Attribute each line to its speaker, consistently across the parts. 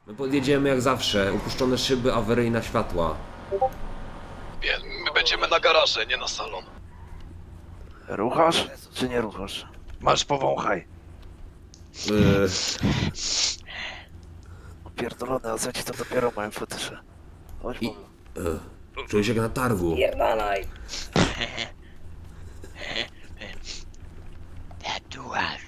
Speaker 1: My podjedziemy jak zawsze. Upuszczone szyby, awaryjna światła.
Speaker 2: My będziemy na garaże, nie na salon.
Speaker 3: Ruchasz, czy nie ruchasz? Masz powąchaj. Pierdolone, a ci to dopiero mają fetysze. Chodź,
Speaker 1: I- Czuję się jak na targu.
Speaker 3: pierdalaj.
Speaker 4: Tatuaż.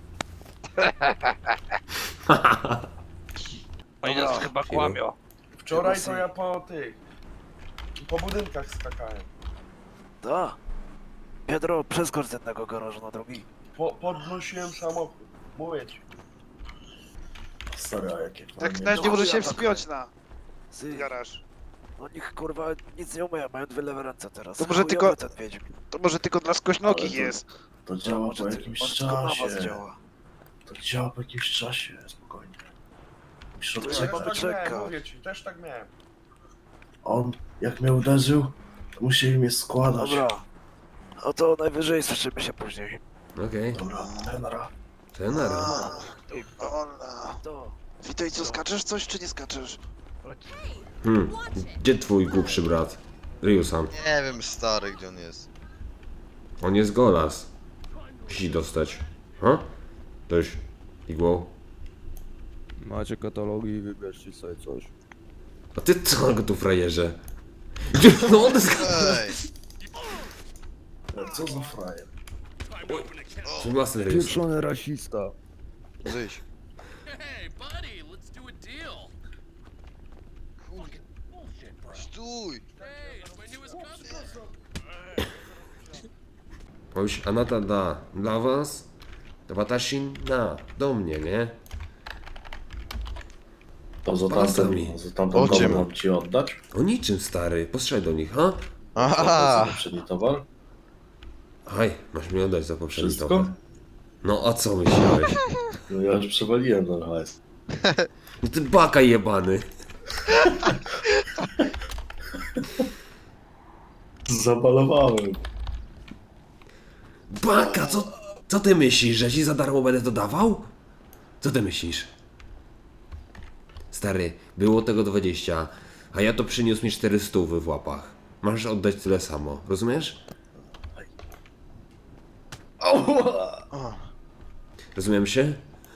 Speaker 3: Oni nas chyba kłamią.
Speaker 5: Wczoraj to ja po budynkach skakałem.
Speaker 3: Da. Pedro, przeskocz z jednego garażu na drugi.
Speaker 5: Podnosiłem samochód. Mówię ci. Stary, a jakie
Speaker 6: Tak
Speaker 5: fajne.
Speaker 6: nawet nie może się
Speaker 3: tak
Speaker 6: wspiąć na
Speaker 3: Zy,
Speaker 6: garaż.
Speaker 3: no niech kurwa nic nie umieją, mają dwie lewe ręce teraz.
Speaker 6: To może
Speaker 3: Chujowy
Speaker 6: tylko-
Speaker 3: ten wiedźm.
Speaker 6: To może tylko dla skośnokich
Speaker 5: Ale to-
Speaker 6: jest.
Speaker 5: To działa
Speaker 3: Może
Speaker 5: po
Speaker 3: ty-
Speaker 5: jakimś
Speaker 3: on tylko na was
Speaker 5: czasie.
Speaker 3: działa.
Speaker 5: To działa po jakimś czasie, spokojnie. Musisz
Speaker 3: To
Speaker 5: odczekać.
Speaker 3: ja mamy czekać.
Speaker 5: Mówię ci, też tak miałem. On, jak mnie uderzył, to musieli mnie składać.
Speaker 3: Dobra. No to najwyżej słyszymy się później.
Speaker 1: Okej.
Speaker 5: Dobra, tenera.
Speaker 1: Tenera.
Speaker 6: Ona.
Speaker 3: To.
Speaker 6: Witaj, co skaczesz coś, czy nie skaczesz?
Speaker 1: Gdzie twój głupszy brat? Ryusan.
Speaker 4: Nie wiem, stary, gdzie on jest.
Speaker 1: On jest golas. Musi dostać. Ha? Ktoś igłą.
Speaker 7: Macie katalogi i wybierzcie sobie coś.
Speaker 1: A ty co go tu frajerze? Gdzie? No on jest...
Speaker 4: Ej!
Speaker 5: Co za frajer?
Speaker 1: Własny Ryusan.
Speaker 7: Pieprzony rasista.
Speaker 4: Wyjść.
Speaker 8: Hey, buddy, let's do a deal.
Speaker 4: Kurde. Stój!
Speaker 8: Hey, it's my newest customer.
Speaker 1: Powiedz, Anata da dla was, to Watashin da do mnie, nie?
Speaker 5: To za
Speaker 1: Pasami.
Speaker 5: tamten, za tamten
Speaker 4: O czym?
Speaker 5: towar mam ci oddać?
Speaker 1: O niczym, stary. Postrzelaj do nich, ha?
Speaker 4: Aha!
Speaker 5: Za poprzedni towar?
Speaker 1: Aj, masz mi oddać za poprzedni
Speaker 5: Wszystko?
Speaker 1: towar. No a co myślałeś?
Speaker 5: No ja już przewaliłem ten hajs.
Speaker 1: No ty baka jebany.
Speaker 5: Zabalowałem.
Speaker 1: Baka, co ty myślisz, że ci za darmo będę to dawał? Co ty myślisz? Stary, było tego 20, a ja to przyniósł mi 400 w łapach. Masz oddać tyle samo, rozumiesz? Rozumiem się?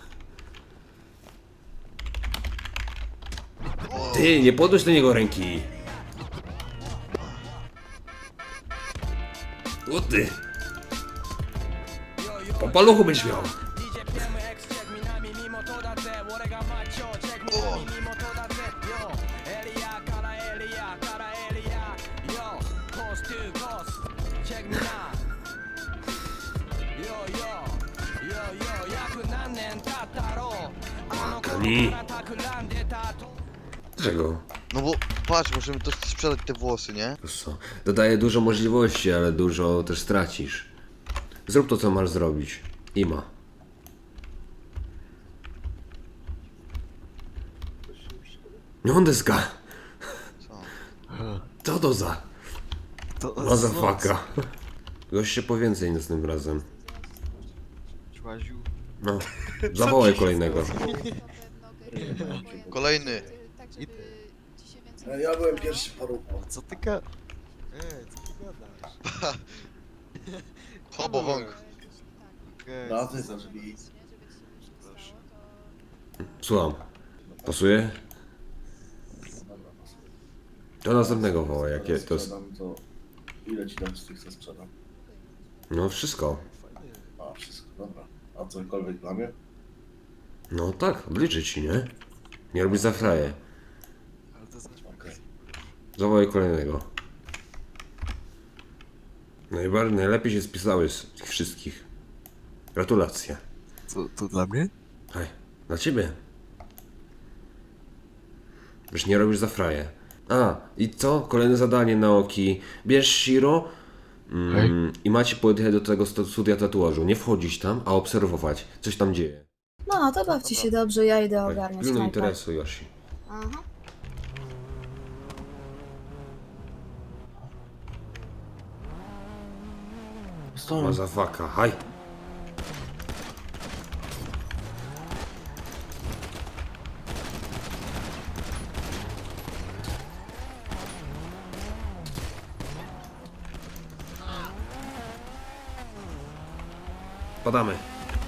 Speaker 1: Ty, nie podnoś do niego ręki. O ty. Po paluchu byś miał. Kani. Dlaczego?
Speaker 4: No bo patrz, możemy to sprzedać te włosy, nie?
Speaker 1: Wiesz co? Dodaje dużo możliwości, ale dużo też stracisz. Zrób to, co masz zrobić. Ima. Niondeska. Co to za? Mazafaka. Gość się po więcej następnym razem. No. Zawołaj kolejnego.
Speaker 4: Kolejny.
Speaker 5: Ja byłem pierwszy parówką.
Speaker 7: Co ty ka...
Speaker 4: Hobo wąg.
Speaker 5: Na ty za drzwi.
Speaker 1: Słucham. Pasuje? To następnego woła, jakie to jest.
Speaker 5: Sprzedam to... Ile ci dać z tych, co sprzedam?
Speaker 1: No wszystko.
Speaker 5: A, wszystko, dobra. A cokolwiek dla mnie?
Speaker 1: No tak, obliczy ci, nie? Nie robisz za fraję.
Speaker 5: Okej.
Speaker 1: Zawołaj kolejnego. Najlepiej się spisałeś z tych wszystkich. Gratulacje.
Speaker 7: To dla mnie?
Speaker 1: Hej, dla ciebie. Już nie robisz za fraję. A, i co? Kolejne zadanie na oki. Bierz Shiro i macie podjechać do tego studia tatuażu. Nie wchodzić tam, a obserwować. Coś tam dzieje.
Speaker 9: No, to bawcie się dobrze, ja idę ogarniać
Speaker 1: Pilnuj
Speaker 9: knajpę.
Speaker 1: interesu, Yoshi.
Speaker 9: Aha.
Speaker 1: Mazafaka, haj. Spadamy.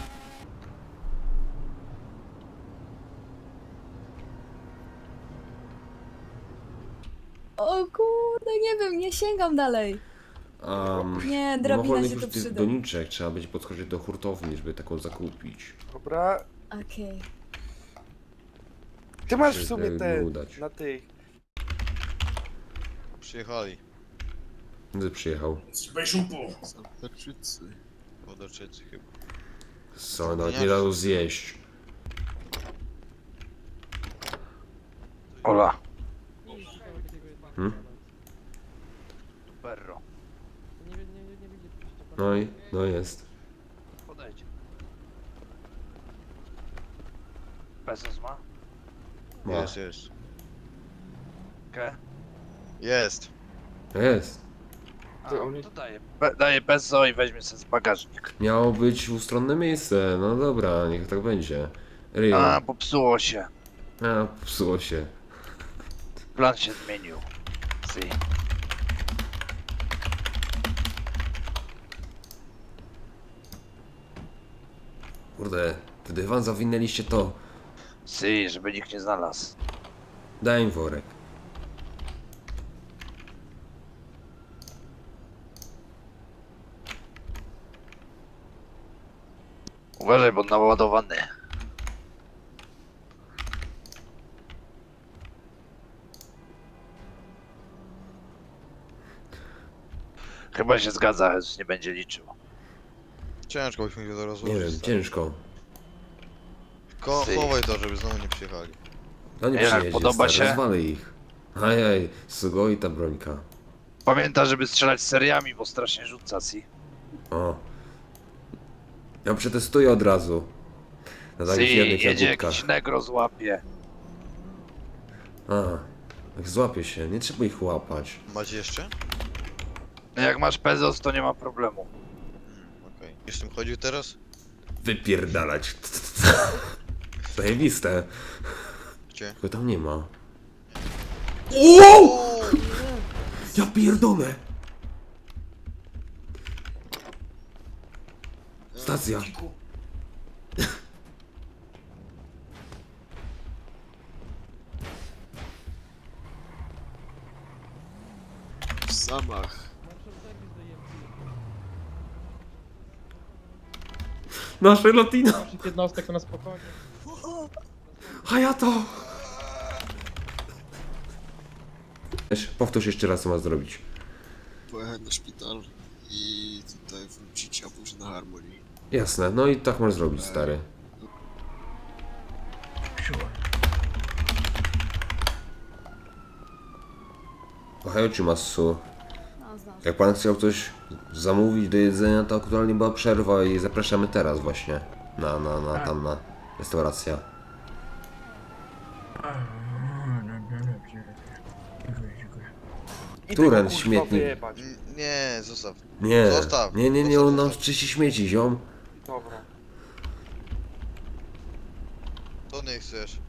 Speaker 9: O kurde, nie wiem, nie sięgam dalej. Nie,
Speaker 1: Nie
Speaker 9: drabina
Speaker 1: mogła mieć
Speaker 9: się
Speaker 1: już
Speaker 9: tu
Speaker 1: tych
Speaker 9: przyda.
Speaker 1: doniczek, trzeba będzie podskoczyć do hurtowni, żeby taką zakupić.
Speaker 3: Dobra.
Speaker 9: Okej.
Speaker 3: Ty masz
Speaker 1: Się
Speaker 3: w sumie
Speaker 1: nie
Speaker 3: te
Speaker 1: udać.
Speaker 3: na tych.
Speaker 4: Przyjechali.
Speaker 1: Gdy przyjechał?
Speaker 4: Wodoczycy chyba.
Speaker 1: Co, nawet nie dał zjeść.
Speaker 3: Ola.
Speaker 1: Hmm?
Speaker 3: Perro.
Speaker 1: No jest.
Speaker 3: Podejdź. Bezos ma?
Speaker 1: Ma.
Speaker 4: Jest.
Speaker 3: Ke?
Speaker 4: Jest.
Speaker 1: Jest.
Speaker 3: A, to daję Bezo i weźmie sobie z bagażnik.
Speaker 1: Miało być ustronne miejsce, no dobra, niech tak będzie. Rio.
Speaker 3: A, popsuło się.
Speaker 1: A, psuło się.
Speaker 3: Plan się zmienił. Si.
Speaker 1: Kurde, w dywan zawinęliście to.
Speaker 3: Si, żeby nikt nie znalazł.
Speaker 1: Daj im worek.
Speaker 3: Uważaj, bo naładowany. Chyba się zgadza, Jezus nie będzie liczył.
Speaker 4: Ciężko byśmy się to
Speaker 1: Nie
Speaker 4: rozłożyć.
Speaker 1: wiem, ciężko.
Speaker 4: Chowaj to, żeby znowu nie przyjechali.
Speaker 1: No nie
Speaker 3: Jak
Speaker 1: przyjedzie,
Speaker 3: podoba
Speaker 1: stary,
Speaker 3: się?
Speaker 1: rozwalę ich. Ajaj, sugoi ta brońka.
Speaker 3: Pamiętaj, żeby strzelać seriami, bo strasznie rzuca, si.
Speaker 1: O. Ja przetestuję od razu. Na takich
Speaker 3: Si,
Speaker 1: jednych
Speaker 3: jedzie
Speaker 1: jagódkach.
Speaker 3: jakiś negro złapie.
Speaker 1: A, jak złapie się, nie trzeba ich łapać.
Speaker 4: Macie jeszcze?
Speaker 3: No jak masz Bezos, to nie ma problemu.
Speaker 4: Okej. Już tym chodził teraz?
Speaker 1: Wypierdalać. Zajebiste.
Speaker 4: Gdzie?
Speaker 1: Tylko tam nie ma. Wow! Ja pierdolę! Stacja.
Speaker 10: W zamach.
Speaker 1: Nasze Latino.
Speaker 10: Jednostek na spokojnie.
Speaker 1: Hayato! Powtórz jeszcze raz, co ma zrobić.
Speaker 10: Pojechać na szpital i tutaj wrócić, a później na Harmonii.
Speaker 1: Jasne, no i tak masz zrobić, stary. Ohio czy Masu?
Speaker 9: No, znam.
Speaker 1: Jak pan chciał coś zamówić do jedzenia, to aktualnie była przerwa i zapraszamy teraz właśnie. Na restaurację. Turen, śmietnik.
Speaker 4: Nie, zostaw.
Speaker 1: Nie,
Speaker 4: Zostaw.
Speaker 1: nie, on nam
Speaker 4: Zostaw.
Speaker 1: czyści śmieci, ziom.
Speaker 3: Dobra.
Speaker 4: To nie chcesz.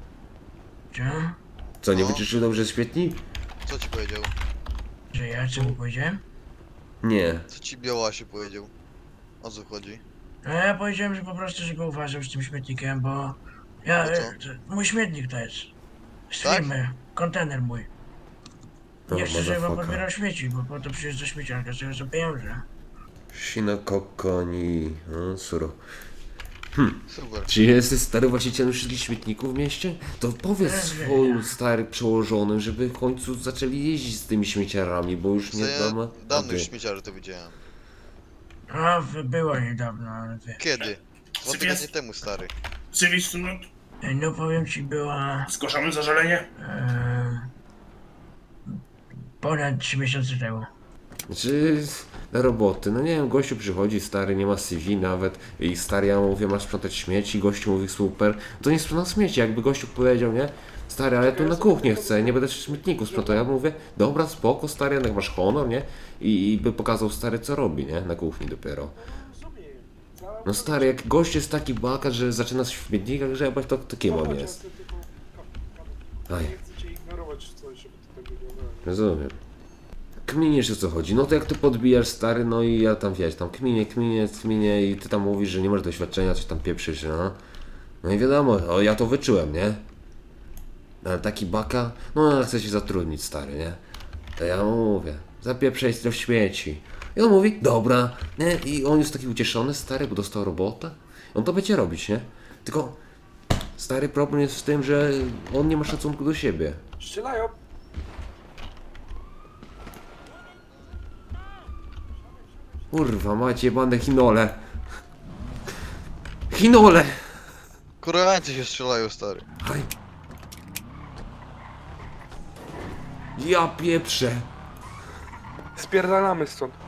Speaker 1: Co, nie
Speaker 4: No.
Speaker 1: wyczyścił dobrze śmietnik?
Speaker 4: Co ci powiedział?
Speaker 11: Że ja co mu powiedziałem?
Speaker 1: Nie.
Speaker 4: Co ci Białasie powiedział? O co chodzi?
Speaker 11: No ja powiedziałem, że po prostu, że go uważam z tym śmietnikiem, bo ja,
Speaker 4: No co?
Speaker 11: mój śmietnik to jest. Z
Speaker 4: Tak?
Speaker 11: firmy, kontener mój. Nie chcę, żeby wam
Speaker 1: motherfucker.
Speaker 11: podbierał śmieci, bo po to przyjeżdża śmieciarka, z tego za pieniądze.
Speaker 1: Sinokokoni, no suro.
Speaker 4: Super.
Speaker 1: Czy jesteś stary właścicielem wszystkich śmietników w mieście? To powiedz swoim stary przełożonym, żeby w końcu zaczęli jeździć z tymi śmieciarami, bo już nie
Speaker 4: Ja
Speaker 1: damy
Speaker 4: dawno już
Speaker 1: rady.
Speaker 4: śmieciary to widziałem.
Speaker 11: A, było niedawno, ale wie.
Speaker 4: Kiedy? 2 tygodnie temu, stary.
Speaker 11: No powiem ci, była
Speaker 5: Zgłaszamy zażalenie?
Speaker 11: ponad 3 miesiące temu.
Speaker 1: Znaczy, na roboty, no nie wiem, gościu przychodzi, stary, nie ma CV nawet i stary, ja mówię, masz sprzątać śmieci, gościu mówi, super, to nie sprzątam śmieci, jakby gościu powiedział, nie? Stary, ale ja tu na kuchnię chcę, nie będę w śmietniku sprzątał, ja mówię, dobra, spoko, stary, jednak masz honor, nie? I by pokazał, stary, co robi, nie? Na kuchni dopiero. No stary, jak gość jest taki bakat, że zaczyna w śmietnikach grzebać, to kim on jest? Aj,
Speaker 5: Nie chcę cię ignorować w coś, żeby to tak wyglądało.
Speaker 1: rozumiem. Kminiesz o co chodzi, no to jak ty podbijasz stary, no i ja tam wiesz, tam kminię i ty tam mówisz, że nie masz doświadczenia, coś tam pieprzysz, no. No i wiadomo, o, ja to wyczułem, nie? Ale taki baka, no ale chce się zatrudnić stary, nie? To ja mu mówię, zapieprzaj w śmieci. I on mówi, dobra, nie? I on jest taki ucieszony stary, bo dostał robotę. On to będzie robić, nie? Tylko stary problem jest w tym, że on nie ma szacunku do siebie.
Speaker 8: Strzelają.
Speaker 1: Kurwa, macie bandę chinole. Chinole!
Speaker 4: Koreańcy się strzelają, stary.
Speaker 1: Haj. Ja pieprzę.
Speaker 8: Spierdalamy stąd.